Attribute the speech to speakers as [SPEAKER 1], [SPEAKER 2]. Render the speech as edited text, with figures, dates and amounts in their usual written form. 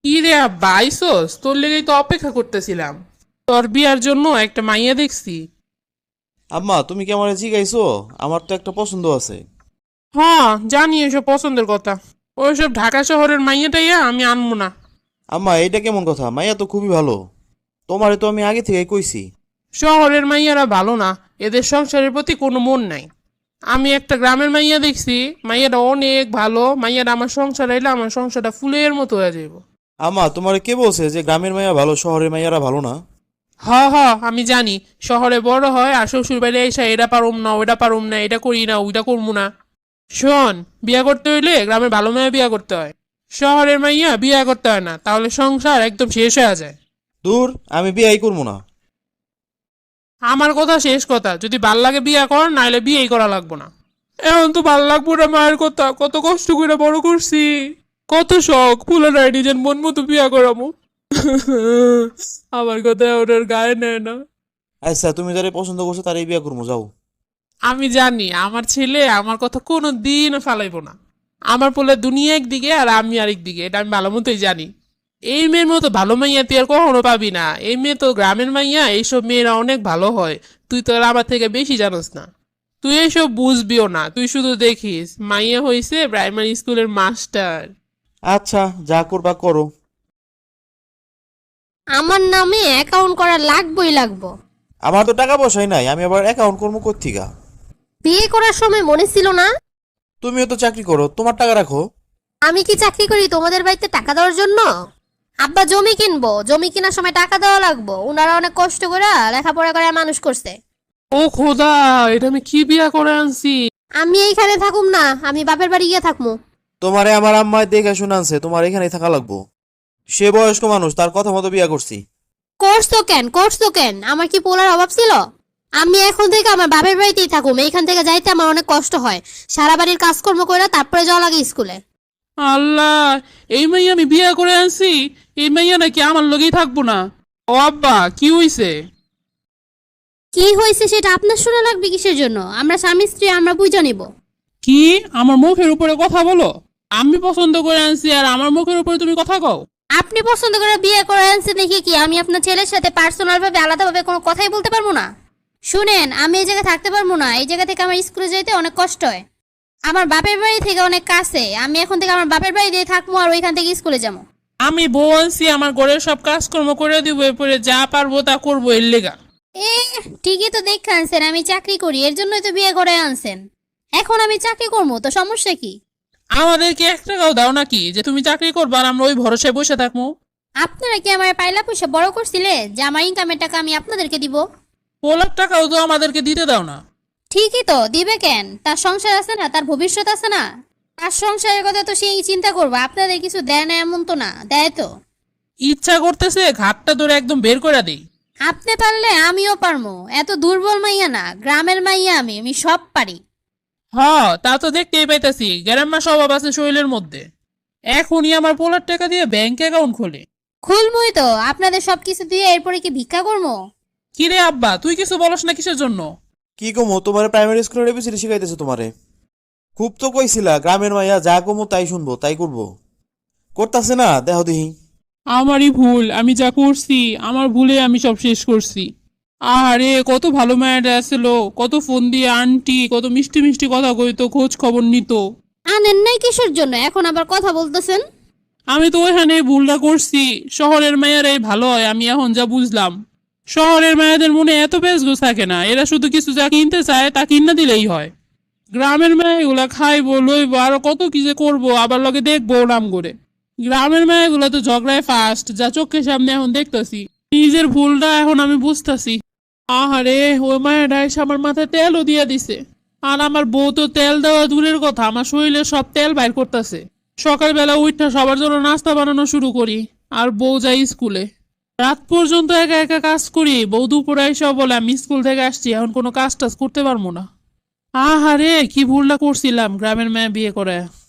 [SPEAKER 1] কি রে আব্বা আইসোস, তোর লেগেই তো অপেক্ষা করতেছিলাম। তোর বিয়ার জন্য একটা মাইয়া দেখছি।
[SPEAKER 2] আম্মা, তুমি কি আমার জিগাইছো? আমার তো একটা পছন্দ আছে।
[SPEAKER 1] হ্যাঁ, জানি এসব পছন্দের কথা। ওইসব ঢাকা শহরের মাইয়াটাইয়া আমি আনবো না।
[SPEAKER 2] আম্মা, এইটা কেমন কথা? মাইয়া তো খুবই ভালো। তোমারে তো আমি আগে থেকে কইছি।
[SPEAKER 1] শহরের মাইয়ারা ভালো না, এদের সংসারের প্রতি কোনো মন নাই। আমি একটা গ্রামের মাইয়া দেখছি, মাইয়াটা অনেক ভালো। মাইয়াটা আমার সংসার এলে আমার সংসারটা ফুলের মতো হয়ে যাইব।
[SPEAKER 2] আম্মা, তোমারে কে বলছে যে গ্রামের মাইয়া ভালো, শহরের মাইয়ারা ভালো না?
[SPEAKER 1] হ হ, আমি জানি। শহরে বড় হয় আর শ্বশুর বাড়ি এসে এটা পারুম না ওইটা পারুম না, এটা করি না ওইটা করবো না। শোন, বিয়া করতে হইলে গ্রামের ভালো মাইয়া বিয়া করতে হয়। শহরের মাইয়া বিয়া করতে হয় না, তাহলে সংসার একদম শেষ হয়ে যায়।
[SPEAKER 2] দূর, আমি বিয়াই করবো না।
[SPEAKER 1] আমার কথা শেষ কথা, যদি ভাল লাগে বিয়া কর, নাইলে বিয়েই করা লাগবো না। এখন তো ভাল লাগবো না, মায়ের কথা কত কষ্ট করে বড় করছি। কত শখ ফুলে নাই নিজের মন মতো বিয়া করাবো। আমার কথা ওনার গায়ে নেয় না।
[SPEAKER 2] আচ্ছা, তুমি যারে পছন্দ করছো তারই বিয়া করবো, যাও।
[SPEAKER 1] আমি জানি আমার ছেলে আমার কথা কোনো দিন ফালাইবো না। আমার পোলে দুনিয়া একদিকে আর আমি আরেক দিকে, এটা আমি ভালো মতোই জানি। এই মেয়ের মতো ভালো মাইয়া তুই আর কখনো পাবি না। এই মেয়ে তো গ্রামের মাইয়া, এইসব মেয়েরা অনেক ভালো হয়। তুই তো আর আমার থেকে বেশি জানোস না। তুই এইসব বুঝবিও না, তুই শুধু দেখিস মাইয়া হইছে প্রাইমারি স্কুলের মাস্টার।
[SPEAKER 2] আচ্ছা, যা করবা করো।
[SPEAKER 3] আমার নামে অ্যাকাউন্ট করা লাগবই লাগবো।
[SPEAKER 2] আমার তো টাকা পয়সাই নাই, আমি আবার অ্যাকাউন্ট করবো কোত্থেকা?
[SPEAKER 3] বিয়ে করার সময় মনে ছিল না?
[SPEAKER 2] তুমিও তো চাকরি করো, তোমার টাকা রাখো।
[SPEAKER 3] আমি কি চাকরি করি তোমাদের বাড়িতে টাকা দেওয়ার জন্য? আব্বা জমি কিনবো, জমি কেনার সময় টাকা দেওয়া লাগবো। ওনারা অনেক কষ্ট করে লেখাপড়া করে মানুষ করছে।
[SPEAKER 1] ও খোদা, এটা আমি কি বিয়া করে আনছি।
[SPEAKER 3] আমি এইখানে থাকুম না, আমি বাপের বাড়ি গিয়ে থাকবো।
[SPEAKER 2] তোমারে আমার আম্মায় দেখে শুনানছে তোমার এখানেই থাকা লাগবো। সে বয়স্ক মানুষ, তার কথা মতো বিয়া করছি।
[SPEAKER 3] করছো কেন? আমার কি পোলার অভাব ছিল? আমি এখন থেকে আমার বাপের বাড়িতেই থাকুম। এইখান থেকে যাইতে আমার অনেক কষ্ট হয়। সারা বাড়ির কাজকর্ম করে তারপরে যাওয়া লাগে স্কুলে।
[SPEAKER 1] আল্লাহ, এই মাইয়া আমি বিয়া করে আনছি। এই মাইয়া নাকি আমার লগেই থাকবো না। ও আব্বা, কি হইছে?
[SPEAKER 3] কি হয়েছে সেটা আপনার শোনা লাগবে কিসের জন্য? আমরা স্বামী স্ত্রী, আমরা বুঝে নিব।
[SPEAKER 1] কি আমার মুখের উপরে কথা বলো? আমি পছন্দ করে আনছি আর আমার মুখের উপরে তুমি কথা কও?
[SPEAKER 3] আপনি পছন্দ করে বিয়ে করে আনছেন দেখি কি আমি আপনার ছেলের সাথে পার্সোনাল ভাবে আলাদাভাবে কোনো কথাই বলতে পারবো না? শুনেন, আমি এই জায়গায় থাকতে পারবো না। এই জায়গা থেকে আমার স্কুলে যেতে অনেক কষ্ট হয়। আমার বাপের বাড়ি থেকে অনেক কাছে। আমি এখন থেকে আমার বাপের বাড়ি দিয়ে থাকবো আর ওইখান থেকে স্কুলে যাবো।
[SPEAKER 1] আমি বউ আনছি, আমার ঘরের সব কাজকর্ম করে দিব, এরপরে যা পারবো তা করবো এর লেগা।
[SPEAKER 3] এ, ঠিকই তো দেখে আনছেন আমি চাকরি করি, এর জন্যই তো বিয়ে করে আনছেন। এখন আমি চাকরি করবো তো সমস্যা কি?
[SPEAKER 1] আমাদেরকে 1 টাকাও দাও নাকি যে তুমি চাকরি করবা আর আমরা ওই ভরসায় বসে থাকবো?
[SPEAKER 3] আপনারা কি আমার পাইলা পয়সা বড় করছিলে যে আমার ইনকামের টাকা আমি আপনাদেরকে দিব?
[SPEAKER 1] 4 লাখ টাকাও তো আমাদেরকে দিতে দাও না।
[SPEAKER 3] ঠিকই তো দিবে কেন? তার সংসার আছে না, তার ভবিষ্যৎ আছে না। তার সংসারের কথা তো সেই চিন্তা করবো। আপনাদের কিছু দেয় না এমন তো না, দেয় তো।
[SPEAKER 1] ইচ্ছা করতেছে ঘাটটা ধরে একদম বের করে দেই।
[SPEAKER 3] আপনি পারলে আমিও পারমু। এত দুর্বল মাইয়া না, গ্রামের মাইয়া আমি সব পারি।
[SPEAKER 1] হ, তা তো দেখতেই পাইতাছি গ্রাম্য স্বভাব আছে শরীরের মধ্যে। এখনই আমার 4 লাখ টাকা দিয়ে ব্যাংক অ্যাকাউন্ট খোলে।
[SPEAKER 3] খুলমুই তো, আপনাদের সবকিছু দিয়ে এরপরে কি ভিক্ষা করবো?
[SPEAKER 1] কিরে আব্বা, তুই কিছু বলস না কিসের জন্য?
[SPEAKER 2] কি কমো, তোমার প্রাইমারি স্কুলের এবিসিডি শিখাইতেছে তোমারে। খুব তো কইছিলা গ্রামের মাইয়া যা কমো তাই শুনবো, তাই করবো। করতাছে না, দেহ দিহি।
[SPEAKER 1] আমারই ভুল, আমি যা করছি আমার ভুলে আমি সব শেষ করছি। আরে কত ভালো মায়েরা আসলো, কত ফোন দিয়ে আন্টি কত মিষ্টি মিষ্টি কথা কইতো, খোঁজ খবর নিত।
[SPEAKER 3] আনেন নাই কিসের জন্য এখন আবার কথা বলতেছেন?
[SPEAKER 1] আমি তো ওইখানে ভুলটা করছি। শহরের মায়েরাই ভালো হয়, আমি এখন যা বুঝলাম। শহরের মায়েদের মনে এত পেঁচগোছ থাকে না, এরা শুধু কিছু যা কিনতে চায় তা কিনা দিলেই হয়। গ্রামের মেয়েগুলা খাইবো লইবো আরো কত কি যে করবো, আবার লগে দেখবো নাম করে। গ্রামের মেয়েগুলা তো ঝগড়ায় ফাস্ট, যা চোখের সামনে এখন দেখতেছি। নিজের ভুলটা এখন আমি বুঝতেছি। আহারে, ওই মায়েরা এসে আমার মাথায় তেলও দিয়ে দিছে। আর আমার বউ তো তেল দেওয়া দূরের কথা, আমার শরীরে সব তেল বাইর করতেছে। সকালবেলা উঠা সবার জন্য নাস্তা বানানো শুরু করি, আর বউ যাই স্কুলে। রাত পর্যন্ত একা একা কাজ করি, বউ দুপুরে এসে বলে আমি স্কুল থেকে আসছি, এখন কোনো কাজ টাজ করতে পারবো না। আহারে, কি ভুলটা করছিলাম গ্রামের মেয়ে বিয়ে করে।